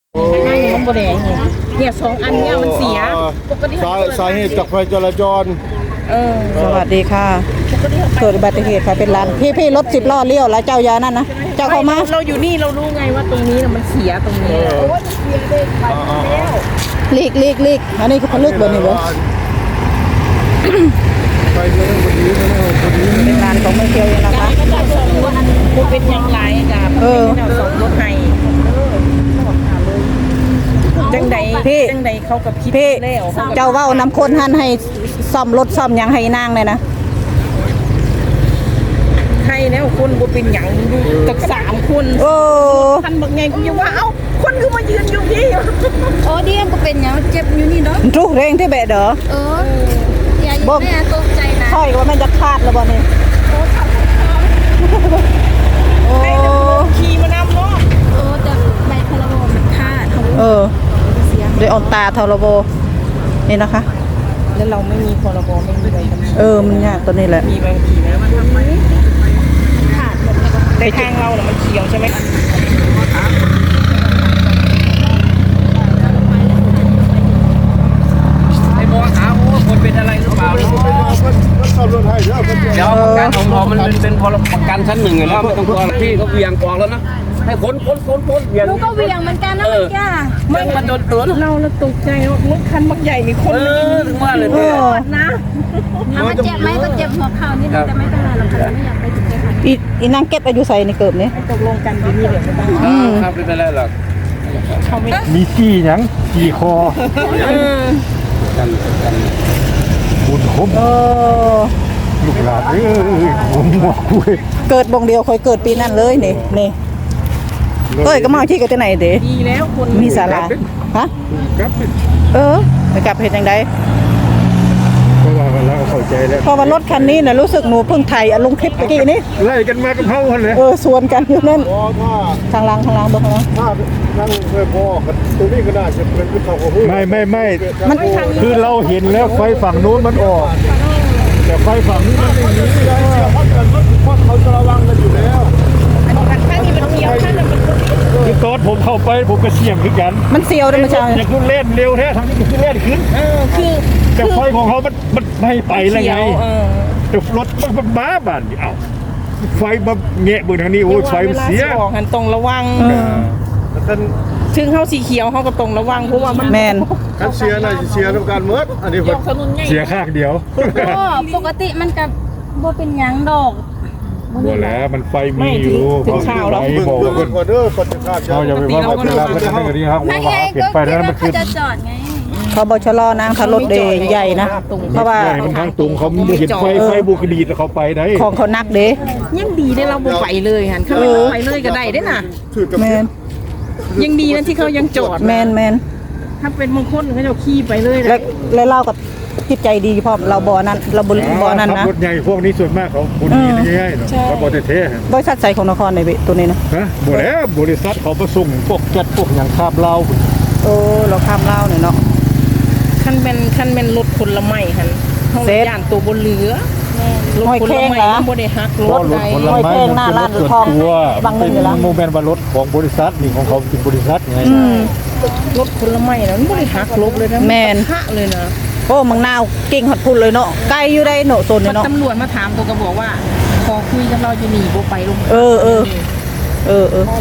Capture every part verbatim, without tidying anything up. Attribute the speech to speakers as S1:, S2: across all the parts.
S1: มันบ่ได้เนี่ยสองอันเนี่ยมันเสียปกติสา
S2: สาเหตุจากไฟจราจร
S1: เออ
S3: สวัสดีค่ะเกิดอุบัติเหตุค่ะเป็นร้านพี่พี่รถสิบล้อเลี้ยวแล้วเจ้ายานั่นนะเจ้าเข้ามา
S1: เราอยู่นี่เรารู้ไงว่าตรงนี้มันเสียตรงนี้โอ้ยเสียเลยไปแล้ว
S3: ลีกลีกลีกอันนี้คือพลึกเบอร์นี่เบอร์
S2: ไปเรื่องคนนี้เรื่องคนนี้
S3: เป็นร้านของเมืองเกียวเองนะคะ
S1: ก็จะส่งรถกูเป็นยังไงกับเออส่งรถให้จังใด
S3: พี่
S1: จังใดเขากับคิด
S3: แล้วเจ้าเว้านำคนหันให้ซ่อมรถซ่อมยังให้นางเลยนะ
S1: ใครแล้วคนบ่เป็นหยังอยู่ตักสามคน
S3: โอ้
S1: ท่านบอกไงกูยังว่าเอ้าคนคือมายืนอยู่พี่
S4: โอ้ดีก็เป็นอย่างเจ็บอยู่นี่เนาะ
S3: ทุกเร่งที่เบะเด้อ
S4: เอออย่าอยู่แม่ตกใจนะ
S3: ค่อยว่ามันจะขาดแล้วบ่นี่
S1: โอ้ขี่มานำเนาะ
S4: เออแต่ใบพลโลมันขาด
S3: เออเดี๋ยวออนตาทรโบนี่นะคะ
S1: แล้วเราไม่มีพรบไม่มีอะไรกัน
S3: เออมันยากตัวนี้แหละ
S1: มีบางทีนะมันทำไมขาดหมดแล้วในทางเราเนี่ยมันเขียวใช่ไหม
S5: ไอ้บอสถามว่าคนเป็นอะไรหรือเปล่าเดี๋ยวประกันของเรามันเป็นเป็นพรบประกันชั้นหนึ่งอยู่แล้วไม่ต้องกลัวพี่เขาเวียงกองแล้วนะให้คนคนคนคนเวียง
S4: ลูกก็เวียงเหมือนกันนะเมื่อกี้
S1: ไม่มาโดนตัวเราเราตกใจรถคันบักใหญ่มีคน
S5: ถึงว่าเลย
S4: เนี่ยนะเอามาเจ็บไหมก็เจ็บหัวเข่านี่จะไม่เป็นไรหรอกค่ะไม่อยากไปถึงเลย
S3: อีอีนางเก็บอายุใส่ในเกิบนี้
S1: ตกลงกันอยู่นี่เดี๋ยวไม่ต้อง
S5: ครับไม่เป็นไรหรอก
S1: เขาไม่
S2: มีจี้ยังจี้คอ
S5: กันกัน
S2: บุญคมลูกหลานเอ้ยผมหมวกคุย
S3: เกิดบงเดียวคอยเกิดปีนั้นเลยนี่นี่เอ้ยก็มาที่กันที่ไหนเด้
S1: ดีแล้วคน
S3: มีศาลาฮะเออไปกลับเหตุยังไง
S2: เพราะว่าเราเข้าใจแล้ว
S3: พอมารถคันนี้นะรู้สึกหนูเพิ่งไทยลงคลิปเมื่อกี้นี้
S2: ไล่กันมากับเขาเลย
S3: เออสวนกันอยู่นั่นทางล่างทางล่างบอกนะ
S2: ถ้านั่งไม่พอกันตัวนี้ก็น่าจะเป็นผู้เขาของไม่ไม่ไม่มันคือเราเห็นแล้วไฟฝั่งนู้นมันออกแต่ไฟฝั่งนี้มันไม่มีแล้วเพราะเขาจะระวังกันอยู่แล้ว
S1: ข้างนี้มันเขียวข้างนั้นมัน
S2: คือตอนผมเข้าไปผมก็เสี่ยงขึ้นกัน
S3: มันเสียวเลยมันจะ
S2: อยากขึ้นเล่นเร็วแท้ทางนี้ขึ้นเล่นขึ้น
S1: เออคือ
S2: แต่ไฟของเขามันมันไม่ไปแล้วไงแต่รถมันบ้าบ้านเอ้าไฟมาแงะบนทางนี้โอ้ยไฟมันเสีย
S1: บอกหันตรงระวังถึงเขาสีเขียวเขาก็ตรงระวังเพราะว่ามัน
S3: แมน
S2: การเสียน่ะเสียทำการเมื่ออันนี้เสียข้างเดียว
S4: ก็ปกติมันกับโบเป็นยังดอก
S2: บ่แล้วมันไฟมีอยู่
S1: ถึงข่าวเรา
S2: บอกว่าคนเด้อคนจะฆ่าเราอย่าไปว่าเขาเป็นเราเป็นนั่นก็ดีครับว่าเปลี่ยนไปแล้วมันคือ
S4: จะจอดไง
S3: เขาบชลอนางทารถเดย์ใหญ่นะเพราะว่า
S2: มันทางตรงเขาเห็นไฟไฟบุกดีแล้วเขาไปได้
S3: ของเขานักเด้
S1: ยังดีได้เราบุกไปเลยหันเขาไม่ไปเลยก็ได้ได้น่ะ
S3: แมน
S1: ยังดีนะที่เขายังจอด
S3: แมนแมน
S1: ถ้าเป็นมงคลเขาจะขี่ไปเลย
S3: แล้วแล้วเล่ากับจิตใจดีพร้อมเราบ่อนั้นเราบริบ่อนั้นนะ
S2: รถใหญ่พวกนี้ส่วนมากเขาคนดีง่ายๆเนาะเขาบ่ได้เท่
S3: บริษัทใสของนครในตัวนี้นะ
S2: ฮะบ่แล้วบริษัทเขาผสมพวกแก๊สพวกอย่างข้ามเล่า
S3: โอ้เราข้ามเล่าเนี่ยเนาะ
S1: คันเป็นคันเป็นรถคนละไม่คันเซฟย่านตัวบนเรือ
S3: รถคนละไม่
S1: บ่ได้ฮัก
S2: รถใดรถแข่งหน้าร้านทองบางเป็นโมเมนต์ว่ารถของบริษัทนี่ของเขาเป็นบริษัทไง
S1: รถคนละไม่นะมันบ่ได้ฮักลบเลยนะ
S3: แม่น
S1: ฮะเลยนะ
S3: โอ้มังนาวเก่งหัดพุ่นเลยเนาะไกลอยู่ได้โนโซนเนาะ
S1: ตำรวจมาถามตัวก็บอกว่าพอคุยกับเราจะหนีโบไปลง
S3: เออเออเออเออ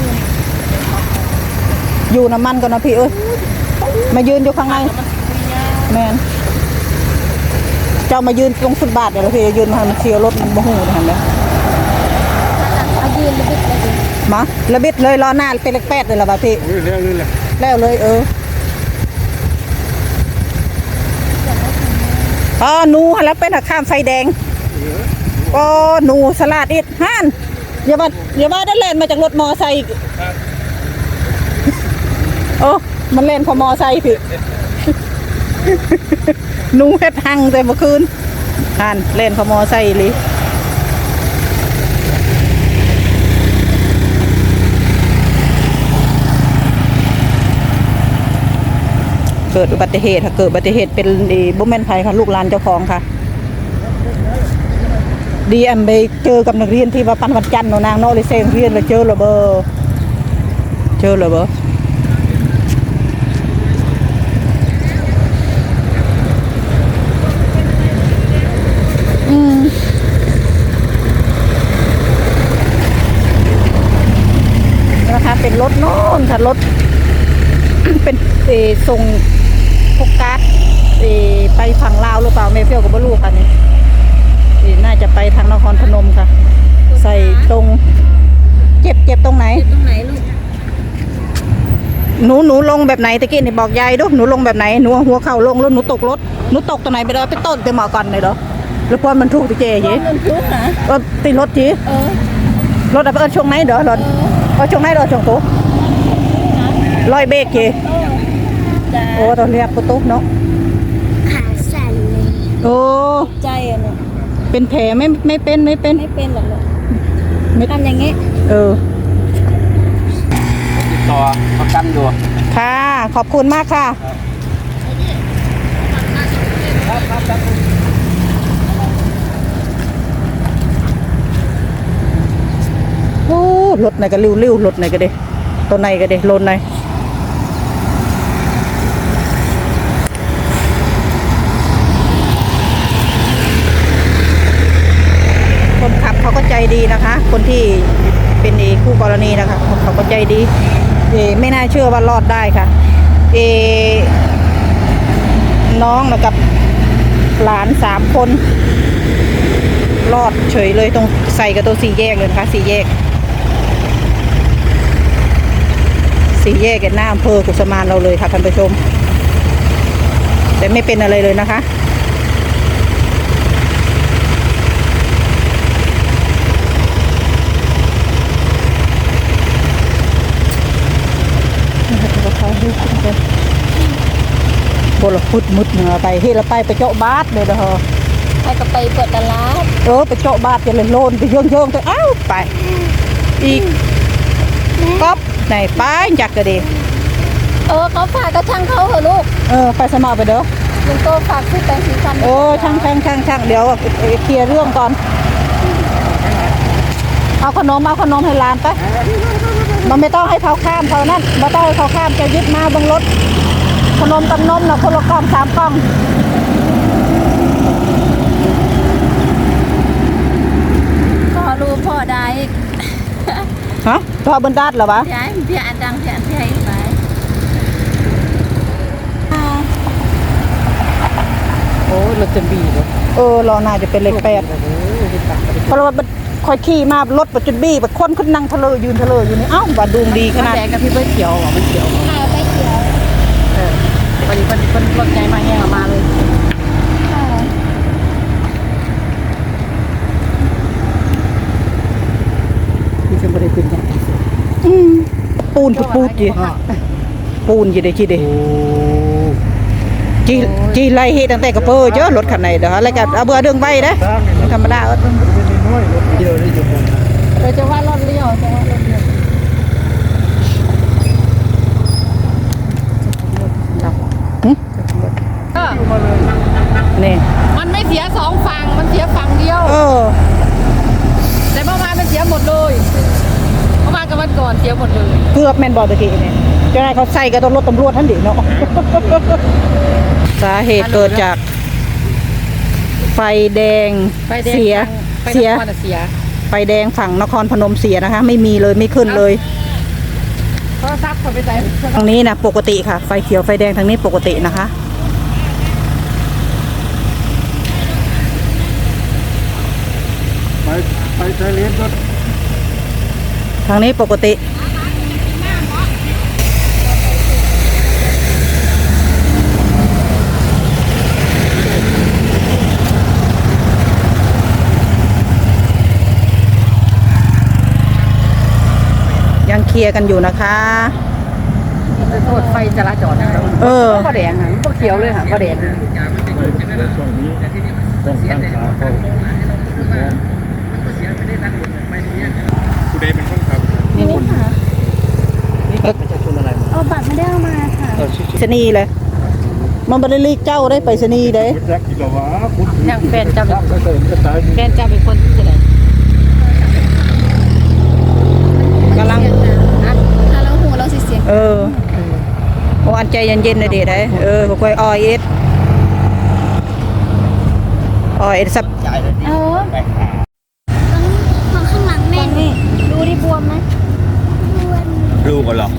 S3: อยู่น้ำมันก่อนนะพี่เอ้ยมายืนอยู่ข้างในแมนเจ้ามายืนตรงฟุตบาทเดี๋ยวพี่ยืนมามันเชียวรถมันบ่หูนะเห็นไหม
S4: ยืนระบิดเลย
S3: มาระบิดเลยล้อหน้าเป็นเล็กแปดเลยล่ะพี่
S2: แล้วเลยล่ะ
S3: แล้วเลยเอออ๋อหนูแล้วเป็นข้ามไฟแดงก็หนูสลัดอิดฮั่นอย่าว่าอย่าว่าได้เล่นมาจากรถมอไซค์โอ้มันเล่นพอมอไซค์พี่หนูเฮ็ดหังแต่เมื่อคืนฮั่นเล่นพอมอไซค์เลยเกิดอุบัติเหตุค่ะเกิดอุบัติเหตุเป็นบุ้มแม่นไผ่ค่ะลูกหลานเจ้าของค่ะดีแอมไปเจอกับนักเรียนที่ว่าปันวันจันทร์นางโนเลยเซงเรียนเลยเจอหรอเบอร์เจอหรอเบอร์เป็นรถโน่นค่ะรถ เป็นเออส่งพวกก๊าซเออไปฝั่งลาวหรือเปล่าแม่เฟี้ยวกับบลูค่ะนี่เออน่าจะไปทางนครพนมค่ะ ใส่ตรงเจ็บเจ็บตรงไหน
S4: ตรงไหนลูก
S3: หนูหนูลงแบบไหนตะกี้นี่บอกยายดูหนูลงแบบไหนหนูหัวเข่าลงแล้วหนูตกรถหนูตกตรงไหนไปเลยไปต้นไปหมอก่อนเลยเหรอหรือพอมันถูกตะเจยี
S4: เงินทุกนะ
S3: เออติดรถจี
S4: เออ
S3: รถอะเออช่วงไหนเด้อรถเออช่วงไหนเด้อช่วงตุ๊กลอยเบรกจี
S4: จ้า
S3: โอ้ตอนเรียกตุ๊กเนาะ
S4: ขาสั่นเลย
S3: โอ้
S4: ใจอ่ะเนี่ย
S3: เป็นแผลไม่ไม่เป็นไม่เป็น
S4: ไม่เป็นหรอกลูก
S3: ไม่
S4: ทำอย่างงี้
S3: เออ
S5: ติดต่อประกันอยู่
S3: ค่ะขอบคุณมากค่ะโอ้รถไหนก็ริ้วๆรถไหนก็เด้ตัวไหนก็เด้รถไหนคนขับเขาก็ใจดีนะคะ คนที่เป็นคู่กรณีนะคะเขาก็ใจดีเอไม่น่าเชื่อว่ารอดได้ค่ะเอน้องนะกับหลานสามคนรอดเฉยเลยตรงใส่กับตัวสี่แยกเลยนะคะสี่แยกสี่แยกกันหน้าอำเภอกุสมานเราเลยค่ะท่านผู้ชมแต่ไม่เป็นอะไรเลยนะคะโบราณพุดมุดเหนือไปที่เราไปไปเจาะบาสเลยเด้อ
S4: ไปก็ไปเปิดตลาด
S3: เออไปเจาะบาสจะเลยโลนไปเยื่องเยื่องไปอ้าวไปอีกก๊อปไหนไปจักกระเด
S4: เออเขาฝากกระช่างเขาเหรอลูก
S3: เออไปสมัครไปเด้อ
S4: ลุงโตฝากซื้อแปรงสีฟัน
S3: เออช่างช่างช่างช่างเดี๋ยวเคลียร์เรื่องก่อนเอาขนมเอาขนมให้หลานไปมันไม่ต้องให้เขาข้ามเขานั่นไม่ต้องให้เขาข้ามจะยึดมาบนรถขนมกับนมนะคนละกล่องสามกล่อง
S4: พ่อรู้พ่อได้
S3: ฮะพอบนดัดเหรอวะ
S4: พี่ไอ้พี่อันดังพี่อันพี่ไอ้ไป
S1: โอ้รถจะบีเลย
S3: เออรอน่าจะเป็นเลขแปดเพราะว่าคอยขี่มารถปัจจุบันแบบคนขึ้นนั่งทะเลยืนทะเลอยู่นี่เอ้าว่าดวงดีขนาด
S1: แดงกับพี่เบิ้ลเขียวอ่ะมันเขียว
S4: ข้าวไปเขียว
S1: เออวันนี้เป็นรถใหญ่มาแห้งออกมาเลยพี่จะไม่ได้ขึ้นยัง
S3: อืมปูนปูปูดจีปูนจีเดจีเดจีจีไล่เฮตั้งแต่กระเปอร์เยอะรถคันไหนเด้อแล้วก็เอาเบื่อเรื่องใบเด้อธรรมดาเออ
S2: เดียวได้อยู่บน
S1: เราจะว่ารถเลี้ยวจะว่ารถเลี้ยว
S3: นี่
S1: มันไม่เสียสองฝั่งมันเสียฝั่งเดียว
S3: เออ
S1: แต่เมื่อวานมันเสียหมดเลยเมื่อวานกับวันก่อนเสียหมดเลย
S3: เกือบแม่นบอตะกี้นี่เจ้านายเขาใส่กับรถตำรวจท่านดิเนาะ สาเหตุเกิดจากไฟแดง
S1: ไฟแดง
S3: เสีย
S1: ไฟ
S3: เสีย
S1: นครน่ะเสีย
S3: ไฟแดงฝั่งนครพนมเสียนะคะ ไม่มีเลยไม่ขึ้นเลย
S1: โทรศัพท์เขาไปใส่
S3: ทางนี้นะปกติค่ะ ไฟเขียวไฟแดงทางนี้ปกตินะคะ
S2: ไปไปไทยเลนก็
S3: ทางนี้ปกติยังเคลียร์กันอยู่นะคะ
S1: โทษไฟจราจรนะครับ
S3: เออ
S1: ก็แดงอ่ะก็เขียวเลยค่ะก็แดง
S2: ช่วงนี้ต้องตั้งขาเข้าคุณเดเป็นคนขับ
S1: นี่นี่ค่ะ
S4: เอาบัตรไม่ได้เอามาค่ะ
S3: ไปสนีย์เลย มันบริลีกเจ้าได้ไปสนีย์ได้
S2: คุณแจ็คกิโลวะคุณ
S1: ยังแฟนเจ้า
S2: ก็เติมก็ตาย
S1: แฟนเจ้าเป็นคนที่ไหน
S3: กำลัง
S4: ถ้าเราหูเราสิเสียง
S3: เออโอ้อันใจเย็นๆเลยเด็ดได้เออค่อยๆออยเอสออยเอสสับ
S4: เออต้องมองข้างหลังแม่นี่ดูดิบวมไหมบวม
S2: ลูกกันหรอ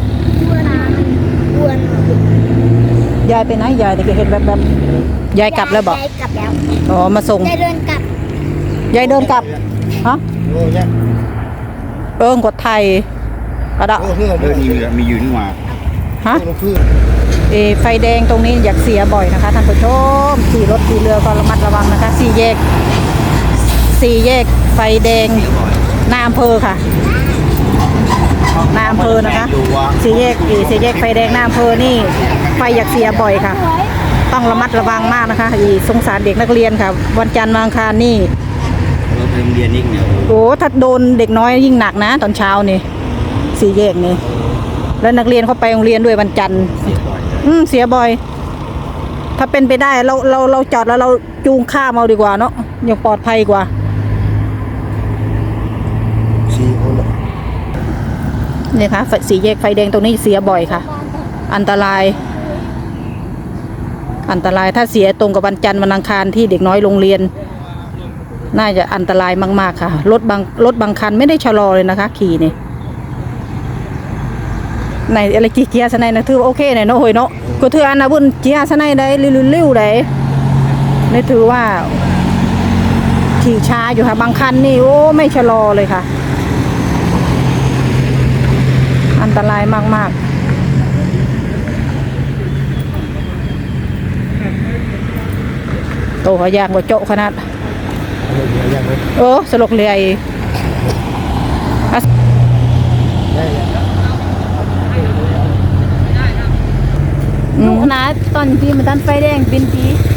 S3: ยายไปไหนยายแต่ก็เห็นแบบแบบยายกลับแล้วบอก
S4: ยายกลับแล้ว
S3: อ๋อมาส่ง
S4: ยายเดินกลับ
S3: ยายเดินกลับฮะ
S2: โอ้ย
S3: เอิงกดไทยกระดะ
S2: เออเออมีมีอยู่นี่มา
S3: ฮะเออไฟแดงตรงนี้อยากเสียบ่อยนะคะท่านผู้ชมขี่รถขี่เรือก็ระมัดระวังนะคะสี่แยกสี่แยกไฟแดงหน้าอำเภอค่ะหน้าอำเภอนะคะสี่แยกเออสี่แยกไฟแดงหน้าอำเภอนี่ไฟอยากเสียบ่อยค่ะ ต้องระมัดระวังมากนะคะอีสงสารเด็กนักเรียนค่ะวันจันทร์วันอังคารนี่
S5: เราไปโรงเรียนนี่เนี่ย
S3: โอ้ถ้าโดนเด็กน้อยยิ่งหนักนะ ตอนเช้านี่สี่แยกนี่แล้วนักเรียนเขาไปโรงเรียนด้วยวันจันทร์อืมเสียบ่อย ถ้าเป็นไปได้เราเราเราจอดแล้วเราจูงข้ามเอาดีกว่าเนาะยังปลอดภัยกว่า
S2: สี่คนละ
S3: นี่ค่ะไฟสี่แยกไฟแดงตรงนี้เสียบ่อยค่ะ อันตราย อันตรายถ้าเสียตรงกับวันจันทร์วันอังคารที่เด็กน้อยโรงเรียน น่าจะอันตรายมากๆค่ะรถบางรถบางคันไม่ได้ชะลอเลยนะคะ ขี่นี่ในอะไรกี่เกียร์สไนนะถือว่าโอเคหน่อยเนาะเฮ้ยเนาะก็ถืออันนะบุญเกียร์สไนได้ลิ้วๆได้นี่ถือว่าขี่ช้าอยู่ค่ะบางคันนี่โอ้ไม่ชะลอเลยค่ะ อันตรายมากๆโตเขายางกว่าโจ๊ะขนาดเออสลกเลยหนูนะตอนที่มันตันไฟแดงเป็นปี